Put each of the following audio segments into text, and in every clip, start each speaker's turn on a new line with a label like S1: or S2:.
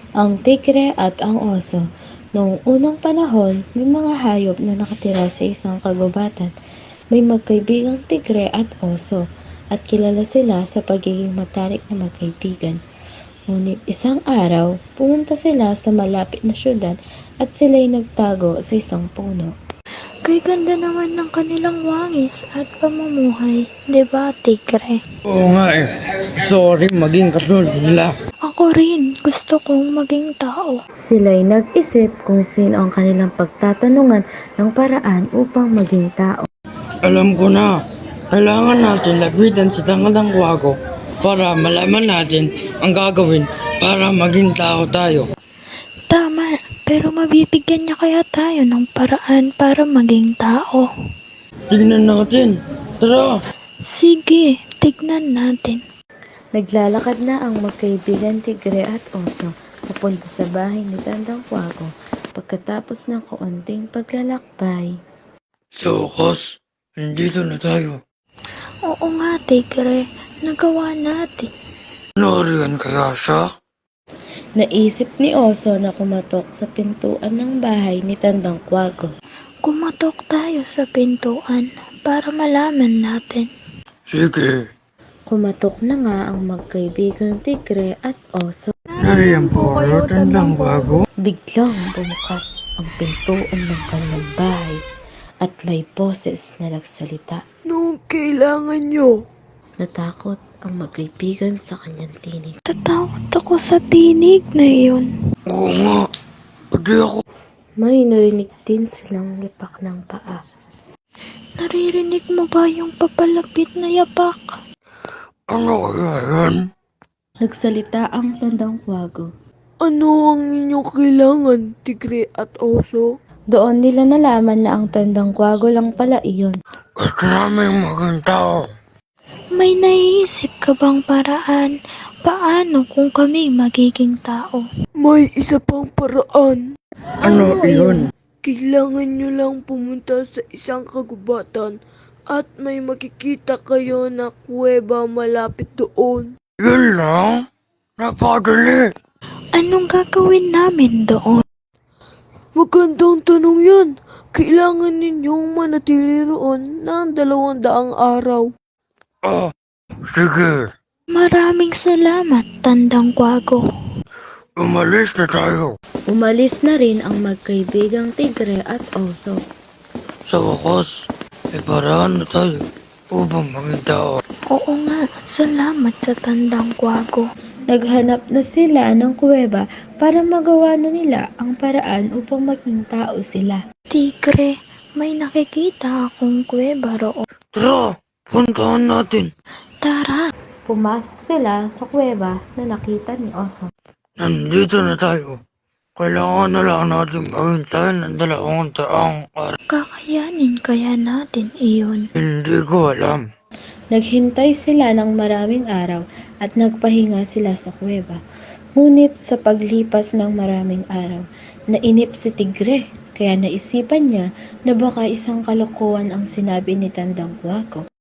S1: Ang tigre at ang oso. Noong unang panahon, may mga hayop na nakatira sa isang kagubatan. May magkaibigang tigre at oso at kilala sila sa pagiging matalik na magkaibigan. Ngunit isang araw, pumunta sila sa malapit na syudad at sila'y nagtago sa isang puno.
S2: Kay ganda naman ng kanilang wangis at pamumuhay, 'di ba, tigre?
S3: Oo nga eh. Sorry maging katulad nila.
S2: Ako rin, gusto kong maging tao.
S1: Sila'y nag-isip kung sino ang kanilang pagtatanungan ng paraan upang maging tao.
S3: Alam ko na. Kailangan natin lapitan si Tangadang Kwago para malaman natin ang gagawin para maging tao tayo.
S2: Tama, pero mabibigyan niya kaya tayo ng paraan para maging tao?
S3: Tingnan natin. Tara!
S2: Sige, tignan natin.
S1: Naglalakad na ang magkaibigan tigre at oso papunta sa bahay ni Tandang Kwago. Pagkatapos ng kaunting paglalakbay,
S3: Sa wakas, nandito na tayo.
S2: Oo nga, tigre. Nagawa natin.
S3: Nariyan kaya siya?
S1: naisip ni Oso na kumatok sa pintuan ng bahay ni Tandang Kwago.
S2: Kumatok tayo sa pintuan para malaman natin.
S3: Sige.
S1: Kumatok na nga ang magkaibigang tigre at oso.
S3: Nariyan po kayo, Tandang Kwago.
S1: Biglang bumukas ang pintuan ng kanilang bahay at may boses na nagsalita.
S3: Anong kailangan nyo?
S1: Natakot ang magkaibigan sa kanyang tinig.
S2: Tatakot ako sa tinig na iyon.
S3: Oo nga. Pwede ako.
S1: May narinig din silang lipak ng paa.
S2: Naririnig mo ba yung papalapit na yapak?
S3: Ano kaya yan?
S1: Nagsalita ang Tandang Kwago.
S4: Ano ang inyong kailangan, tigre at oso?
S1: Doon nila nalaman na ang Tandang Kwago lang pala iyon.
S3: Gusto namin maging tao.
S2: May naiisip ka bang paraan? Paano kung kami magiging tao?
S4: May isa pang paraan.
S3: Ano iyon?
S4: Kailangan nyo lang pumunta sa isang kagubatan at may makikita kayo na kuweba malapit doon.
S3: Yun lang? Napadali.
S2: Anong gagawin namin doon?
S4: Magandang tanong yan. Kailangan ninyong manatili roon ng 200 araw.
S3: Ah, sige.
S2: Maraming salamat, Tandang Kwago.
S3: Umalis na tayo.
S1: Umalis na rin ang magkaibigang tigre at oso.
S3: Sa wakas, may paraan na tayo upang maging tao.
S2: Oo nga, salamat sa Tandang Kwago.
S1: Naghanap na sila ng kuweba para magawa na nila ang paraan upang maging tao sila.
S2: Tigre, may nakikita akong kuweba roon.
S3: Tara, puntahan natin.
S2: Tara,
S1: Pumasok sila sa kuweba na nakita ni Oso.
S3: Nandito na tayo. Kailangan na lang natin maghintay ng 200 araw.
S2: kakayanin kaya natin iyon.
S3: Hindi ko alam.
S1: Naghintay sila ng maraming araw at nagpahinga sila sa kuweba. Ngunit sa paglipas ng maraming araw, nainip si Tigre kaya naisipan niya na baka isang kalokohan ang sinabi ni Tandang Kwago.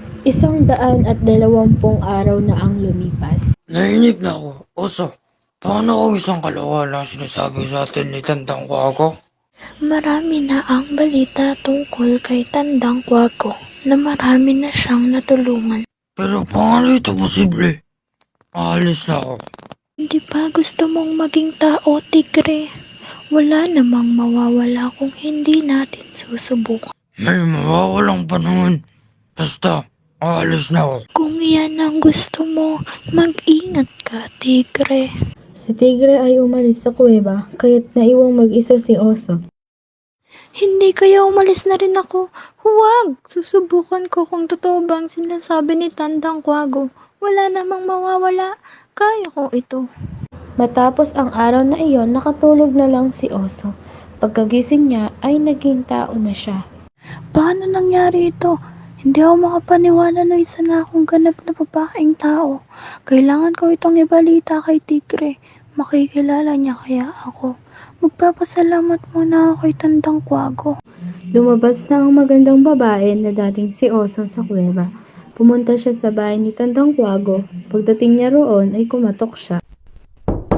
S1: 120 araw na ang lumipas.
S3: Nainip na ako. Oso, paano kung isang kalokohan lang sinasabi sa atin ni Tandang Kwago?
S2: Marami na ang balita tungkol kay Tandang Kwago na marami na siyang natulungan.
S3: Pero paano ito posible? Aalis na ako.
S2: Hindi ba gusto mong maging tao, Tigre? Wala namang mawawala kung hindi natin susubukan.
S3: May mawawalang panahon. Basta, aalis na ako.
S2: Kung yan ang gusto mo, mag-ingat ka, Tigre.
S1: Si Tigre ay umalis sa kuweba kaya't naiwang mag-isa si Oso.
S2: Hindi kaya umalis na rin ako. Huwag! Susubukan ko kung totoo bang sinasabi ni Tandang Kwago. Wala namang mawawala. Kaya ko ito.
S1: Matapos ang araw na iyon, nakatulog na lang si Oso. Pagkagising niya ay naging tao na siya.
S2: Paano nangyari ito? Hindi ako makapaniwala na isa na akong ganap na babaeng tao. Kailangan ko itong ibalita kay Tigre. Makikilala niya kaya ako. Magpapasalamat muna ako kay Tandang Kwago.
S1: Lumabas na ang magandang babae na dating si Oso sa kuweba. Pumunta siya sa bahay ni Tandang Kwago. Pagdating niya roon ay kumatok siya.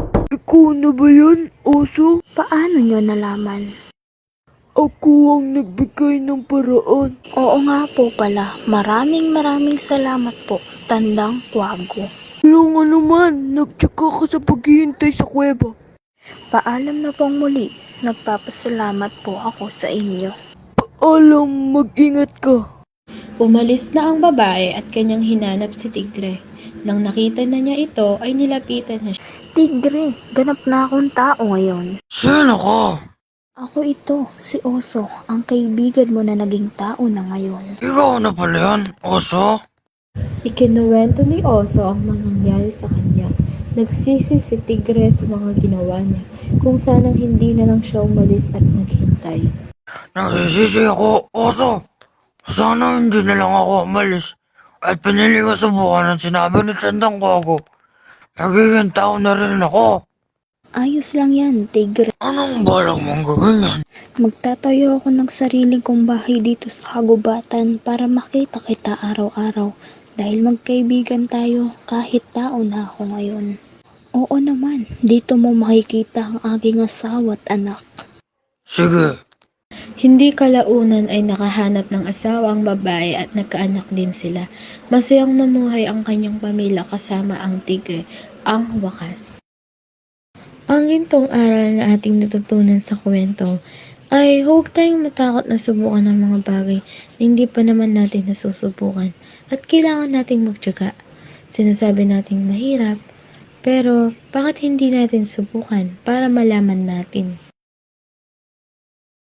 S4: Ikaw na ba yan, oso?
S2: Paano nyo nalaman?
S4: Ako ang nagbigay ng paraan.
S2: Oo nga po pala. Maraming salamat po, Tandang Kwago.
S4: Walang anuman, nagtsaka ka sa paghihintay sa kuweba.
S2: Paalam na pong muli. Nagpapasalamat po ako sa inyo.
S4: Alam, mag-ingat ka.
S1: Umalis na ang babae at kanyang hinanap si Tigre. Nang nakita na niya ito ay nilapitan niya siya.
S2: Tigre, ganap na akong tao ngayon.
S3: Sino ka?
S2: Ako ito, si Oso, ang kaibigan mo na naging tao na ngayon.
S3: Ikaw na pala yan, oso?
S1: Ikinuwento ni Oso ang mga nangyari sa kanya. Nagsisi si Tigre sa mga ginawa niya, kung sanang hindi na lang siya umalis at naghintay.
S3: Nagsisisi ako, oso. Sana hindi na lang ako umalis. At pinili ko subukan ang sinabi ni Tandang Kwago. Magiging tao na rin ako.
S2: Ayos lang yan, Tigre.
S3: Anong balak mong gawin yan?
S2: Magtatayo ako ng sariling kong bahay dito sa kagubatan para makita kita araw-araw. Dahil magkaibigan tayo kahit tao na ako ngayon. Oo naman, dito mo makikita ang aking asawa at anak.
S3: Sige.
S1: Hindi kalaunan ay nakahanap ng asawa ang babae at nagkaanak din sila. Masayang namuhay ang kanyang pamilya kasama ang Tigre, ang wakas. Ang gintong aral na ating natutunan sa kwento ay huwag tayong matakot na subukan ng mga bagay na hindi pa naman natin nasusubukan at kailangan nating magtiyaga. Sinasabi nating mahirap, pero bakit hindi natin subukan para malaman natin?